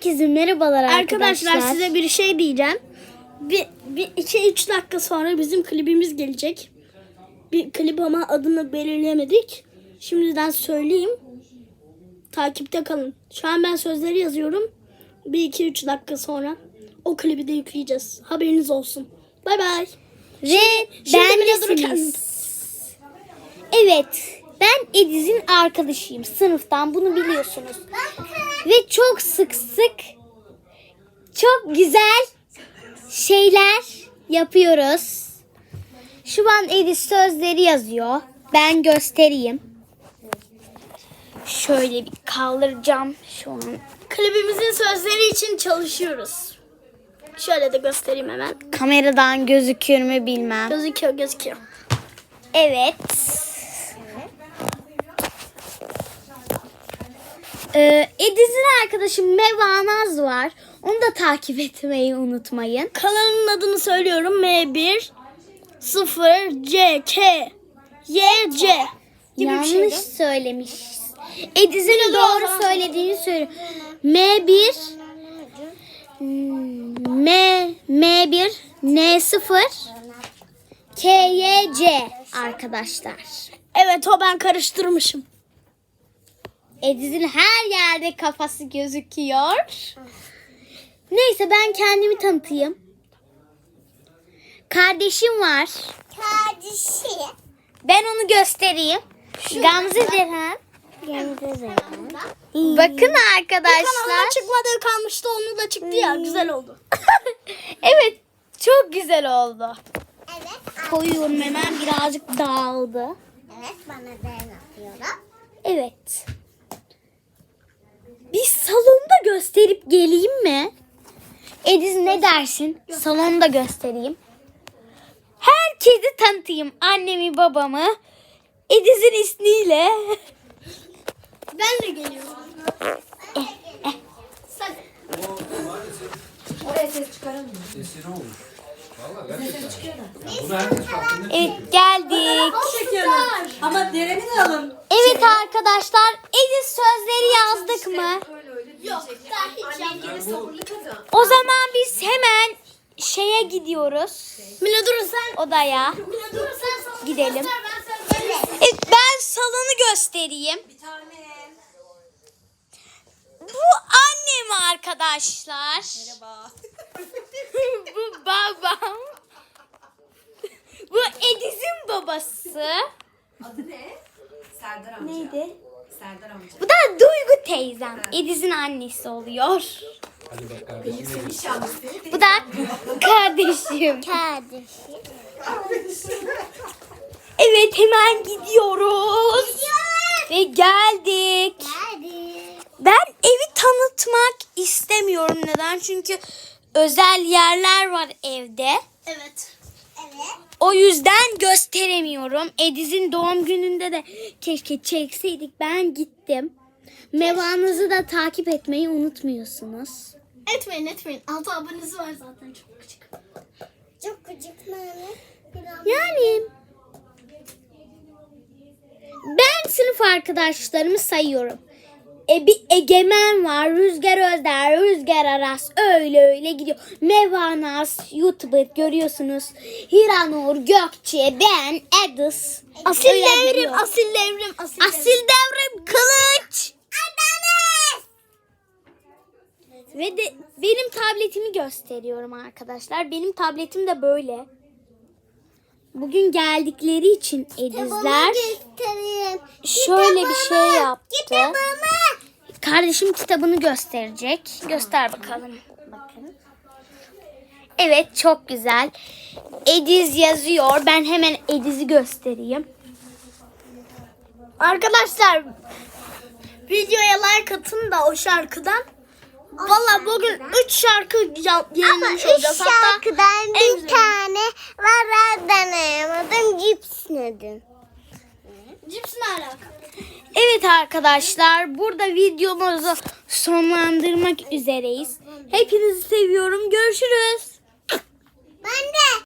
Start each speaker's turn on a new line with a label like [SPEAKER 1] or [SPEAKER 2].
[SPEAKER 1] Herkese merhabalar
[SPEAKER 2] Arkadaşlar size bir şey diyeceğim. Bir 2-3 dakika sonra bizim klibimiz gelecek. Bir klip ama adını belirlemedik. Şimdiden söyleyeyim. Takipte kalın. Şu an ben sözleri yazıyorum. 1-2-3 dakika sonra o klibi de yükleyeceğiz. Haberiniz olsun. Bay bay.
[SPEAKER 1] Ve bendesiniz. Evet, ben Ediz'in arkadaşıyım. Sınıftan, bunu biliyorsunuz. Ve çok sık çok güzel şeyler yapıyoruz. Şu an Ediz sözleri yazıyor. Ben göstereyim. Şöyle bir kaldıracağım şu an.
[SPEAKER 2] Klibimizin sözleri için çalışıyoruz. Şöyle de göstereyim hemen.
[SPEAKER 1] Kameradan gözükür mü bilmem.
[SPEAKER 2] Gözüküyor.
[SPEAKER 1] Evet. Ediz'in arkadaşı Meva Naz var. Onu da takip etmeyi unutmayın.
[SPEAKER 2] Kanalın adını söylüyorum. M1 0 C K Y C gibi bir
[SPEAKER 1] Yanlış
[SPEAKER 2] şeydi.
[SPEAKER 1] söylemiş. Ediz'in doğru söylediğini söylüyor. M1 M1 N0 KYC arkadaşlar.
[SPEAKER 2] Evet, o ben karıştırmışım.
[SPEAKER 1] Ediz'in her yerde kafası gözüküyor. Neyse, ben kendimi tanıtayım. Kardeşim var.
[SPEAKER 3] Kardeşi.
[SPEAKER 1] Ben onu göstereyim. Gamze Deren. Bakın arkadaşlar.
[SPEAKER 2] Kanalına çıkmadığı kalmıştı, onu da çıktı ya, güzel oldu.
[SPEAKER 1] Evet, çok güzel oldu.
[SPEAKER 3] Evet.
[SPEAKER 1] Koyuyorum hemen, birazcık dağıldı.
[SPEAKER 3] Evet, bana da yapıyorum.
[SPEAKER 1] Evet. Bir salonda gösterip geleyim mi? Ediz, ne dersin? Salonda göstereyim. Herkesi tanıtayım. Annemi, babamı. Ediz'in ismiyle.
[SPEAKER 2] Ben de geliyorum.
[SPEAKER 4] Oraya ses çıkaramıyor.
[SPEAKER 5] Sesini olmuş. Valla gerçekten. Bunu herkes fark eder.
[SPEAKER 1] Evet, geldik.
[SPEAKER 4] Çekiyoruz. Ama dereni de alın.
[SPEAKER 1] Evet arkadaşlar, Ediz sözleri yazdık mı?
[SPEAKER 2] Yok, daha hiç yapmadım.
[SPEAKER 1] O zaman biz hemen şeye gidiyoruz.
[SPEAKER 2] Mila dur sen.
[SPEAKER 1] Odaya.
[SPEAKER 2] Mila dur sen.
[SPEAKER 1] Gidelim.
[SPEAKER 2] Ben söyleyeyim.
[SPEAKER 1] Evet, ben salonu göstereyim.
[SPEAKER 4] Bir tane.
[SPEAKER 1] Bu annem arkadaşlar.
[SPEAKER 4] Merhaba.
[SPEAKER 1] Bu babam. Bu Ediz'in babası.
[SPEAKER 4] Adı ne? Serdar amca.
[SPEAKER 1] Neydi?
[SPEAKER 4] Serdar amca.
[SPEAKER 1] Bu da Duygu teyzem. Ediz'in annesi oluyor.
[SPEAKER 5] Hadi bak kardeşim.
[SPEAKER 4] İnşallah seni
[SPEAKER 1] Bu da kardeşim.
[SPEAKER 3] Kardeşi.
[SPEAKER 1] Evet, hemen gidiyoruz. Ve geldik.
[SPEAKER 3] Geldi.
[SPEAKER 1] Ben evi tanıtmak istemiyorum. Neden? Çünkü özel yerler var evde.
[SPEAKER 2] Evet.
[SPEAKER 3] Evet.
[SPEAKER 1] O yüzden gösteremiyorum. Ediz'in doğum gününde de keşke çekseydik. Ben gittim. Mevanızı da takip etmeyi unutmuyorsunuz.
[SPEAKER 2] Etmeyin. 6 abonesi var zaten, çok küçük.
[SPEAKER 3] Çok küçük mami.
[SPEAKER 1] Yani ben sınıf arkadaşlarımı sayıyorum. Bir Egemen var, Rüzgar Özder, Rüzgar Aras, öyle gidiyor. Mevanas, YouTuber görüyorsunuz. Hiranur, Gökçe, ben, Edis.
[SPEAKER 2] Asil
[SPEAKER 1] Öyle
[SPEAKER 2] devrim,
[SPEAKER 1] gidiyor.
[SPEAKER 2] asil devrim.
[SPEAKER 1] Asil devrim kılıç. Ve de benim tabletimi gösteriyorum arkadaşlar. Benim tabletim de böyle. Bugün geldikleri için Edizler
[SPEAKER 3] Göstereyim.
[SPEAKER 1] şöyle bir şey yaptı.
[SPEAKER 3] Kitabımı.
[SPEAKER 1] Kardeşim kitabını gösterecek. Göster bakalım. Bakın. Evet, çok güzel. Ediz yazıyor. Ben hemen Ediz'i göstereyim.
[SPEAKER 2] Arkadaşlar, videoya like atın da o şarkıdan. Valla bugün 3 şarkı
[SPEAKER 3] Ama
[SPEAKER 2] yayınlamış
[SPEAKER 3] 3
[SPEAKER 2] olacağız. Hatta
[SPEAKER 3] şarkıdan
[SPEAKER 2] en
[SPEAKER 3] bir
[SPEAKER 2] güzeli.
[SPEAKER 3] tane var, deneyamadım. Cips nedim.
[SPEAKER 2] Cips ne alaka?
[SPEAKER 1] Evet arkadaşlar, burada videomuzu sonlandırmak üzereyiz. Hepinizi seviyorum. Görüşürüz.
[SPEAKER 3] Ben de.